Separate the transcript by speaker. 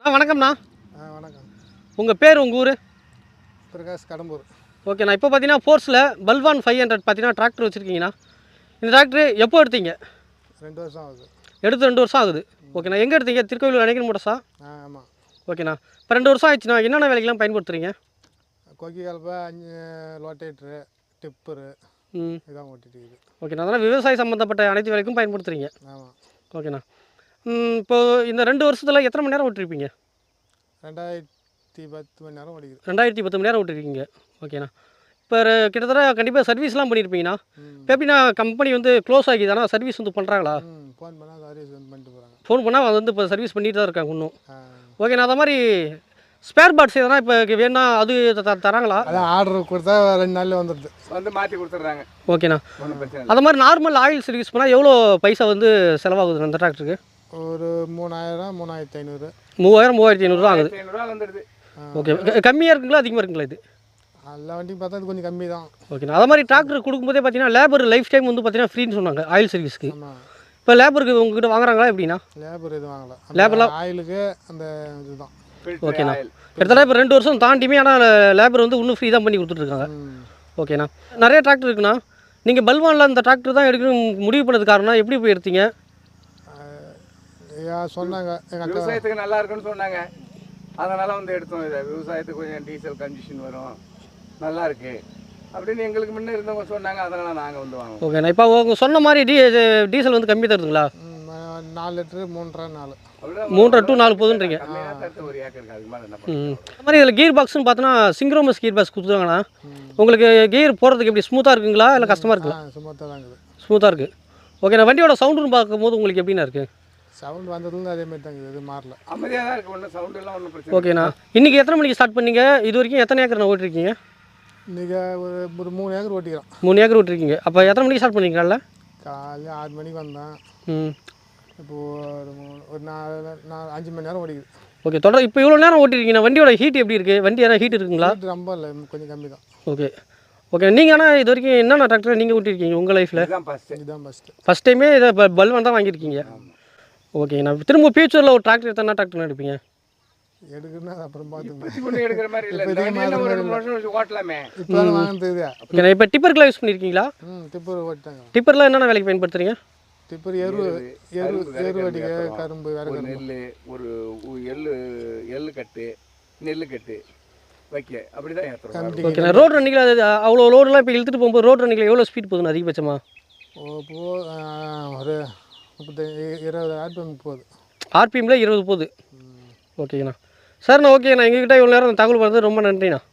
Speaker 1: வணக்கம்ண்ணா.
Speaker 2: வணக்கம்.
Speaker 1: உங்கள் பேர், உங்கள் ஊர்?
Speaker 2: பிரகாஷ், கடம்பூர்.
Speaker 1: ஓகேண்ணா. இப்போ பார்த்தீங்கன்னா ஃபோர்ஸில் பல்வான் 500 பார்த்தீங்கன்னா டிராக்டர் வச்சுருக்கீங்கண்ணா. இந்த டிராக்டர் எப்போ எடுத்தீங்க?
Speaker 2: 2 வருஷம் ஆகுது.
Speaker 1: எடுத்து 2 வருஷம் ஆகுது. ஓகேண்ணா. எங்கே எடுத்தீங்க? திருக்கோவிலூர் அணைக்கன் மோட்டர்ஸா?
Speaker 2: ஆமாம்.
Speaker 1: ஓகேண்ணா. இப்போ 2 வருஷம் ஆயிடுச்சுண்ணா. என்னென்ன வேலைக்கெல்லாம் பயன்படுத்துறீங்க?
Speaker 2: கொக்கி கலப்பை, 5 லோட்டேட்ரு, டிப்பரு இதான் ஓட்டிட்டு இருக்குது.
Speaker 1: ஓகேண்ணா. அதனால் விவசாய சம்மந்தப்பட்ட அனைத்து வேலைக்கும் பயன்படுத்துகிறீங்க.
Speaker 2: ஆமாம்.
Speaker 1: ஓகேண்ணா. இப்போது இந்த 2 வருஷத்தில் எத்தனை மணி நேரம் ஓட்டிருப்பீங்க?
Speaker 2: 2010 மணி நேரம் ஓடிக்குது.
Speaker 1: 2010 மணி நேரம் ஓட்டிருக்கீங்க. ஓகேண்ணா. இப்போ கிட்டத்தட்ட கண்டிப்பாக சர்வீஸ்லாம் பண்ணியிருப்பீங்கண்ணா. இப்போ எப்படின்னா கம்பெனி வந்து க்ளோஸ் ஆகிதானா? சர்வீஸ் வந்து பண்ணுறாங்களா?
Speaker 2: ஃபோன் பண்ணால் சர்வீஸ் வந்து பண்ணிட்டு போகிறாங்க.
Speaker 1: ஃபோன் பண்ணால் அது வந்து இப்போ சர்வீஸ் பண்ணிட்டு தான் இருக்காங்க இன்னும். ஓகேண்ணா. அது மாதிரி ஸ்பேர் பார்ட்ஸ் எதனா இப்போ வேணா அது தராங்களா?
Speaker 2: அதான் ஆர்டர் கொடுத்தா 2 நாளில் வந்துடுது.
Speaker 3: வந்து மாற்றி கொடுத்துட்றாங்க.
Speaker 1: ஓகேண்ணா. அது மாதிரி நார்மல் ஆயில் சர்வீஸ் பண்ணால் எவ்வளோ பைசா வந்து செலவாகுது அந்த டிராக்டருக்கு?
Speaker 2: ஒரு 3000, 3500.
Speaker 1: 3000, 3500 தான் ஆகுது.
Speaker 3: 500 வந்துடுது.
Speaker 1: ஓகே. கம்மியாக இருக்குங்களா அதிகமாக இருக்குங்களா இது?
Speaker 2: எல்லா வண்டியும் பார்த்தா இது கொஞ்சம் கம்மி தான்.
Speaker 1: ஓகேண்ணா. அது மாதிரி டிராக்டர் கொடுக்கும்போதே பார்த்தீங்கன்னா லேபர் லைஃப் டைம் வந்து பார்த்தீங்கன்னா ஃப்ரீன்னு சொன்னாங்க ஆயில் சர்வீஸ்க்கு.
Speaker 2: ஆமாம்.
Speaker 1: இப்போ லேபருக்கு உங்ககிட்ட வாங்குறாங்களா எப்படின்னா?
Speaker 2: லேபர் எதுவும் வாங்கலை.
Speaker 1: லேபர்லாம்
Speaker 2: ஆயிலுக்கு அந்த இதுதான்.
Speaker 1: ஓகேண்ணா. கிட்டத்தட்ட இப்போ 2 வருஷம் தாண்டியுமே ஆனால் லேபர் வந்து இன்னும் ஃப்ரீ தான் பண்ணி கொடுத்துட்ருக்காங்க. ஓகேண்ணா. நிறைய டிராக்டர் இருக்குண்ணா. நீங்கள் பல்வானில் அந்த டிராக்டர் தான் எடுக்கணும் முடிவு பண்ணது காரணம் எப்படி போய் எடுத்தீங்க?
Speaker 2: சொன்னாங்க எங்கள் அக்கா
Speaker 3: விவசாயத்துக்கு நல்லா இருக்குன்னு சொன்னாங்க. அதனால் வந்து எடுத்தோம். இதை விவசாயத்துக்கு கொஞ்சம் டீசல் கண்டிஷன் வரும், நல்லா இருக்குது அப்படின்னு எங்களுக்கு முன்னே இருந்தவங்க சொன்னாங்க. அதனால் நாங்கள் வந்து வாங்குவோம்.
Speaker 1: ஓகேண்ணா. இப்போ அவங்க சொன்ன மாதிரி டீசல் வந்து கம்மி தருதுங்களா?
Speaker 2: 4 லிட்டரு 3.5 4.
Speaker 1: 3.5 to 4 போதுன்றீங்க.
Speaker 3: ஒரு ஏக்கருக்கு அதுக்கு மேலே என்ன
Speaker 1: அது மாதிரி இதில் கீர் பாக்ஸ்னு பார்த்தோன்னா சிங்க்ரோமஸ் கீர் பாக்ஸ் கொடுத்துருவாங்கண்ணா. உங்களுக்கு கீர் போகிறதுக்கு எப்படி ஸ்மூத்தாக இருக்குங்களா இல்லை கஷ்டமாக இருக்குங்களா?
Speaker 2: சுமத்தாக தான் இருக்குது.
Speaker 1: ஸ்மூத்தாக இருக்குது. ஓகேண்ணா. வண்டியோட சவுண்டுன்னு பார்க்கும்போது உங்களுக்கு எப்படின்னா இருக்குது?
Speaker 2: சவுண்ட் வந்ததுலேருந்து அதே மாதிரி தான் இருக்குது. இது மாறல.
Speaker 3: அமைதியாக தான் இருக்குது. ஒன்றும் சவுண்ட் எல்லாம் ஒன்றும் பிரச்சனை.
Speaker 1: ஓகேண்ணா. இன்றைக்கி எத்தனை மணிக்கு ஸ்டார்ட் பண்ணீங்க? இது வரைக்கும் எத்தனை ஏக்கர் ஓட்டிருக்கீங்க?
Speaker 2: இன்றைக்கி ஒரு 3 ஏக்கர் ஓட்டிக்கிறோம்.
Speaker 1: 3 ஏக்கர் ஓட்டிருக்கீங்க. அப்போ எத்தனை மணிக்கு ஸ்டார்ட் பண்ணீங்க? காலைல
Speaker 2: 6 மணிக்கு வந்தேன். இப்போது ஒரு 5 மணி நேரம் ஓடிக்குது.
Speaker 1: ஓகே. தொடர் இப்போ இவ்வளோ நேரம் ஓட்டிருக்கீங்க. வண்டியோட ஹீட் எப்படி இருக்குது? வண்டி எதாவது ஹீட் இருக்குங்களா?
Speaker 2: ரொம்ப இல்லை, கொஞ்சம் கம்மி தான்.
Speaker 1: ஓகே. ஓகே. நீங்கள் ஆனால் இது வரைக்கும் என்னென்ன டிராக்டர் நீங்கள் ஓட்டிருக்கீங்க உங்கள் லைஃப்பில்?
Speaker 3: இதுதான் ஃபஸ்ட்டு.
Speaker 1: ஃபஸ்ட் டைமே இதை பல்வான் தான் வாங்கியிருக்கீங்க. ஓகேண்ணா. திரும்ப ஃபியூச்சரில் ஒரு டிராக்டர் எத்தனை டிராக்டர் எடுப்பீங்க?
Speaker 2: எடுக்குன்னா அப்புறம் பார்த்துக்கணும்.
Speaker 3: இப்போ எடுக்கிற மாதிரி இல்லை. ஒரு வருஷம் ஓட்டலாமே.
Speaker 2: இப்போ வாங்கினது இது.
Speaker 1: ஓகேண்ணா. இப்போ டிப்பருக்குலாம் யூஸ் பண்ணியிருக்கீங்களா?
Speaker 2: டிப்பர் ஓட்டிட்டாங்க.
Speaker 1: டிப்பர்லாம் என்னென்ன வேலைக்கு பயன்படுத்துறீங்க?
Speaker 2: டிப்பர் எரு அடிக்க, கரும்பு, வேறு
Speaker 3: நெல், ஒரு எள்ளு கட்டு, நெல் கட்டு வைக்க அப்படி தான் ஏற்றுறோம்.
Speaker 1: ஓகேண்ணா. ரோட் ரன்னிங்கில் அது அவ்வளோ லோடெலாம் இப்போ இழுத்துட்டு போகும்போது ரோட் ரன்னிங்கில் எவ்வளோ ஸ்பீட் போகுதுண்ணா அதிகபட்சமாக?
Speaker 2: ஒரு 20 ஆர்பிஎம் போகுது.
Speaker 1: ஆர்பிஎம்மில் 20 போகுது. ஓகேண்ணா. சரிண்ணா. ஓகேண்ணா. எங்ககிட்ட இவ்வளோ நேரம் தகவல் பண்ணுறது ரொம்ப நன்றிண்ணா.